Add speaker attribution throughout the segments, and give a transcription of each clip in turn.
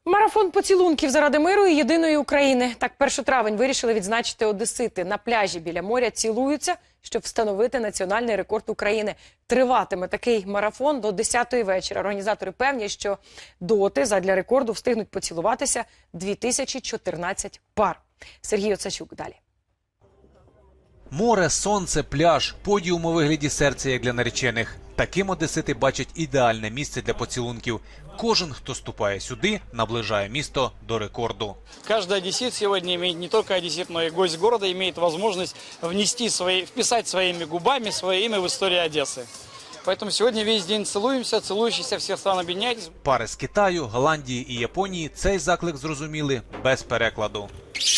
Speaker 1: Марафон поцілунків заради миру і єдиної України. Так 1 травень вирішили відзначити одесити. На пляжі біля моря цілуються, щоб встановити національний рекорд України. Триватиме такий марафон до 10-ї вечора. Організатори певні, що доти задля рекорду встигнуть поцілуватися 2014 пар. Сергій Оцачук далі.
Speaker 2: Море, сонце, пляж, подіум у вигляді серця, як для наречених. Таким одесити бачать ідеальне місце для поцілунків. Кожен, хто ступає сюди, наближає місто до рекорду.
Speaker 3: Каждый одессит сегодня имеет, не только одессит, но и гость города, имеет возможность вписать своими губами свое имя в историю Одессы. Поэтому сегодня весь день целуемся, целующиеся всех стран объединяйтесь.
Speaker 2: Пари з Китаю, Голландії і Японії цей заклик зрозуміли без перекладу.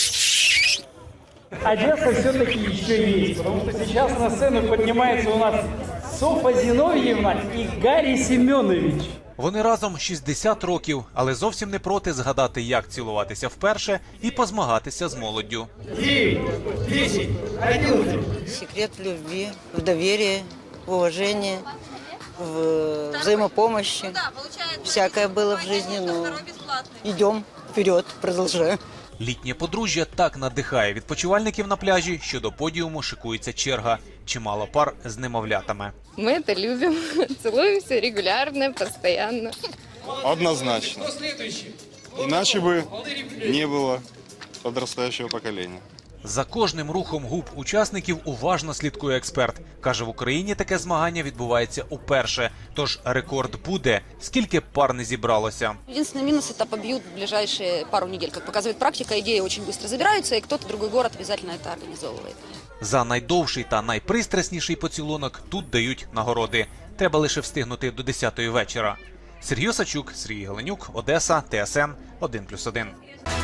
Speaker 3: Одесса все-таки еще есть, потому что сейчас на сцену поднимается у нас Софа Зиновьевна и Гарри Семенович.
Speaker 2: Вони разом 60 років, але зовсім не проти згадати, як цілуватися вперше і позмагатися з молоддю.
Speaker 3: 9, 10, 11.
Speaker 4: Секрет в любви, в доверии, в уважении, в взаимопомощи. Всякое было в жизни, но идем вперед, продолжаем.
Speaker 2: Літнє подружжя так надихає відпочивальників на пляжі, що до подіуму шикується черга. Чимало пар з немовлятами.
Speaker 5: Мы это любим, целуемся регулярно, постоянно.
Speaker 6: Однозначно. Иначе бы не было подрастающего поколения.
Speaker 2: За кожним рухом губ учасників уважно слідкує експерт. Каже, в Україні таке змагання відбувається уперше. Тож рекорд буде, скільки б пар не зібралося.
Speaker 7: Единственный минус – это побьют в ближайшие пару недель. Как показывает практика, идеи очень быстро забираются, и кто-то другой город обязательно это организовывает.
Speaker 2: За найдовший та найпристрасніший поцілунок тут дають нагороди. Треба лише встигнути до 10-ї вечора. Сергій Осачук, Сергій Галенюк, Одеса, ТСН 1+1.